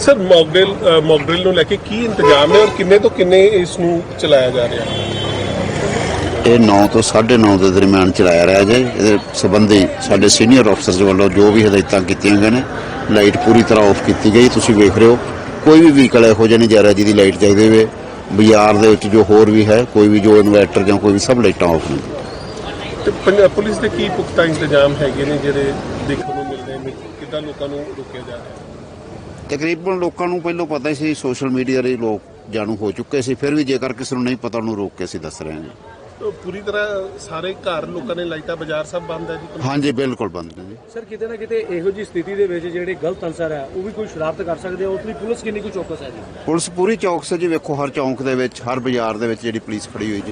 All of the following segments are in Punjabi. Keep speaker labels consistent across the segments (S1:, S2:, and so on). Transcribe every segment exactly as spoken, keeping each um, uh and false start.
S1: सर मॉकड्रिल मॉकड्रिल ਨੂੰ ਲੈ ਕੇ ਕੀ ਇੰਤਜ਼ਾਮ ਹੈ ਔਰ ਕਿੰਨੇ ਤੋਂ ਕਿੰਨੇ ਇਸ ਨੂੰ ਚਲਾਇਆ ਜਾ ਰਿਹਾ ਹੈ?
S2: ਇਹ ਨੌ ਤੋਂ ਸਾਢੇ ਨੌ ਦੇ ਦਰਮਿਆਨ ਚਲਾਇਆ ਰਿਹਾ ਜੇ। ਇਹਦੇ ਸੰਬੰਧੀ ਸਾਡੇ ਸੀਨੀਅਰ ਅਫਸਰਸ ਵੱਲੋਂ ਜੋ ਵੀ ਹਦਾਇਤਾਂ ਕੀਤੀਆਂ ਗਈਆਂ ਨੇ, ਲਾਈਟ ਪੂਰੀ ਤਰ੍ਹਾਂ ਆਫ ਕੀਤੀ ਗਈ। ਤੁਸੀਂ ਵੇਖ ਰਹੇ ਹੋ ਕੋਈ ਵੀ ਵਹੀਕਲ ਇਹੋ ਜਿਹਾ ਨਹੀਂ ਜਾ ਰਿਹਾ ਜਿਹਦੀ ਲਾਈਟ ਚਾਹੀਦੀ ਹੋਵੇ। ਬਾਜ਼ਾਰ ਦੇ ਵਿੱਚ ਜੋ ਹੋਰ ਵੀ ਹੈ, ਕੋਈ ਵੀ ਜੋ ਇਨਵਰਟਰ ਜਾਂ ਕੋਈ ਵੀ, ਸਭ ਲਾਈਟਾਂ ਆਫ ਨੇ।
S1: ਤੇ ਪੁਲਿਸ ਦੇ ਕੀ ਪੁਖਤਾ ਇੰਤਜ਼ਾਮ ਹੈਗੇ ਨੇ ਜਿਹੜੇ ਦੇਖਣ ਨੂੰ ਮਿਲ ਰਹੇ ਨੇ? ਕਿੱਦਾਂ ਲੋਕਾਂ ਨੂੰ ਰੋਕਿਆ ਜਾ ਰਿਹਾ?
S2: ਤਕਰੀਬਨ ਲੋਕਾਂ ਨੂੰ ਪਹਿਲਾਂ ਪਤਾ ਸੀ, ਸੋਸ਼ਲ ਮੀਡੀਆ ਦੇ ਲੋਕ ਜਾਣੂ ਹੋ ਚੁੱਕੇ ਸੀ। ਫਿਰ ਵੀ ਜੇਕਰ ਕਿਸੇ ਨੂੰ ਨਹੀਂ ਪਤਾ ਉਹਨੂੰ ਰੋਕ ਕੇ ਅਸੀਂ ਦੱਸ ਰਹੇ ਹਾਂ।
S1: ਪੂਰੀ ਤਰ੍ਹਾਂ ਸਾਰੇ ਘਰ ਲੋਕਾਂ ਨੇ ਲਾਈਟਾਂ, ਬਾਜ਼ਾਰ ਸਭ ਬੰਦ ਹੈ ਜੀ?
S2: ਹਾਂਜੀ, ਬਿਲਕੁਲ ਬੰਦ ਨੇ ਜੀ।
S3: ਸਰ ਕਿਤੇ ਨਾ ਕਿਤੇ ਇਹੋ ਜਿਹੀ ਸਥਿਤੀ ਦੇ ਵਿੱਚ ਜਿਹੜੇ ਗਲਤ ਅਨਸਰ ਹੈ ਉਹ ਵੀ ਕੋਈ ਸ਼ਰਾਰਤ ਕਰ ਸਕਦੇ ਆ, ਉਸ ਲਈ ਪੁਲਿਸ ਕਿੰਨੀ ਕੁ ਚੌਕਸ ਹੈ ਜੀ?
S2: ਪੁਲਿਸ ਪੂਰੀ ਚੌਕਸ ਹੈ ਜੀ। ਵੇਖੋ ਹਰ ਚੌਂਕ ਦੇ ਵਿੱਚ, ਹਰ ਬਾਜ਼ਾਰ ਦੇ ਵਿੱਚ ਜਿਹੜੀ ਪੁਲਿਸ ਖੜੀ ਹੋਈ ਜੀ।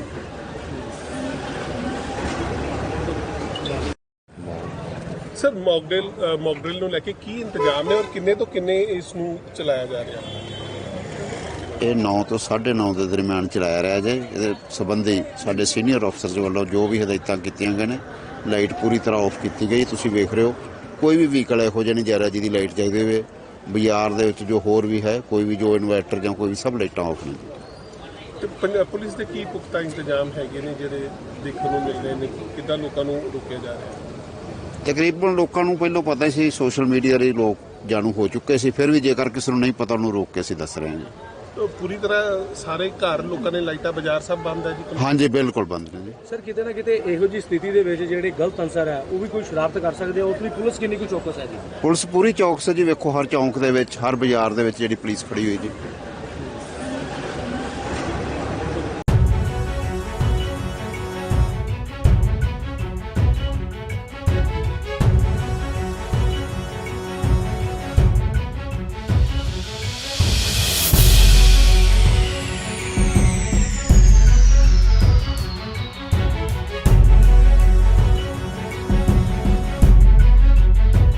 S1: ਸਰ ਮੌਕਡਰਿਲ ਮੌਕਡਰਿਲ ਨੂੰ ਲੈ ਕੇ ਕੀ ਇੰਤਜ਼ਾਮ ਹੈ ਔਰ ਕਿੰਨੇ ਤੋਂ ਕਿੰਨੇ ਇਸ ਨੂੰ ਚਲਾਇਆ ਜਾ ਰਿਹਾ ਹੈ?
S2: ਇਹ ਨੌ ਤੋਂ ਸਾਢੇ ਨੌ ਦੇ ਦਰਮਿਆਨ ਚਲਾਇਆ ਰਿਹਾ ਜੇ। ਇਹਦੇ ਸੰਬੰਧੀ ਸਾਡੇ ਸੀਨੀਅਰ ਅਫਸਰਸ ਵੱਲੋਂ ਜੋ ਵੀ ਹਦਾਇਤਾਂ ਕੀਤੀਆਂ ਗਈਆਂ ਨੇ, ਲਾਈਟ ਪੂਰੀ ਤਰ੍ਹਾਂ ਆਫ ਕੀਤੀ ਗਈ। ਤੁਸੀਂ ਵੇਖ ਰਹੇ ਹੋ ਕੋਈ ਵੀ ਵਹੀਕਲ ਇਹੋ ਜਿਹਾ ਨਹੀਂ ਜਾ ਰਿਹਾ ਜਿਹਦੀ ਲਾਈਟ ਚਾਹੀਦੀ ਹੋਵੇ। ਬਾਜ਼ਾਰ ਦੇ ਵਿੱਚ ਜੋ ਹੋਰ ਵੀ ਹੈ, ਕੋਈ ਵੀ ਜੋ ਇਨਵਰਟਰ ਜਾਂ ਕੋਈ ਵੀ, ਸਭ ਲਾਈਟਾਂ ਆਫ ਨੇ।
S1: ਤੇ ਪੁਲਿਸ ਦੇ ਕੀ ਪੁਖਤਾ ਇੰਤਜ਼ਾਮ ਹੈਗੇ ਨੇ ਜਿਹੜੇ ਦੇਖਣ ਨੂੰ ਮਿਲ ਰਹੇ ਨੇ? ਕਿੱਦਾਂ ਲੋਕਾਂ ਨੂੰ ਰੋਕਿਆ ਜਾ ਰਿਹਾ?
S2: ਤਕਰੀਬਨ ਲੋਕਾਂ ਨੂੰ ਪਹਿਲਾਂ ਪਤਾ ਸੀ, ਸੋਸ਼ਲ ਮੀਡੀਆ ਦੇ ਲੋਕ ਜਾਣੂ ਹੋ ਚੁੱਕੇ ਸੀ। ਫਿਰ ਵੀ ਜੇਕਰ ਕਿਸੇ ਨੂੰ ਨਹੀਂ ਪਤਾ ਉਹਨੂੰ ਰੋਕ ਕੇ ਅਸੀਂ ਦੱਸ ਰਹੇ ਹਾਂ।
S1: ਪੂਰੀ ਤਰ੍ਹਾਂ ਸਾਰੇ ਘਰ ਲੋਕਾਂ ਨੇ ਲਾਈਟਾਂ, ਬਾਜ਼ਾਰ ਸਭ ਬੰਦ ਹੈ ਜੀ?
S2: ਹਾਂਜੀ, ਬਿਲਕੁਲ ਬੰਦ ਨੇ ਜੀ।
S3: ਸਰ ਕਿਤੇ ਨਾ ਕਿਤੇ ਇਹੋ ਜਿਹੀ ਸਥਿਤੀ ਦੇ ਵਿੱਚ ਜਿਹੜੇ ਗਲਤ ਅਨਸਰ ਹੈ ਉਹ ਵੀ ਕੋਈ ਸ਼ਰਾਰਤ ਕਰ ਸਕਦੇ ਆ, ਉਸ ਲਈ ਪੁਲਿਸ ਕਿੰਨੀ ਕੁ ਚੌਕਸ ਹੈ ਜੀ?
S2: ਪੁਲਿਸ ਪੂਰੀ ਚੌਕਸ ਹੈ ਜੀ। ਵੇਖੋ ਹਰ ਚੌਂਕ ਦੇ ਵਿੱਚ, ਹਰ ਬਾਜ਼ਾਰ ਦੇ ਵਿੱਚ ਜਿਹੜੀ ਪੁਲਿਸ ਖੜੀ ਹੋਈ ਜੀ।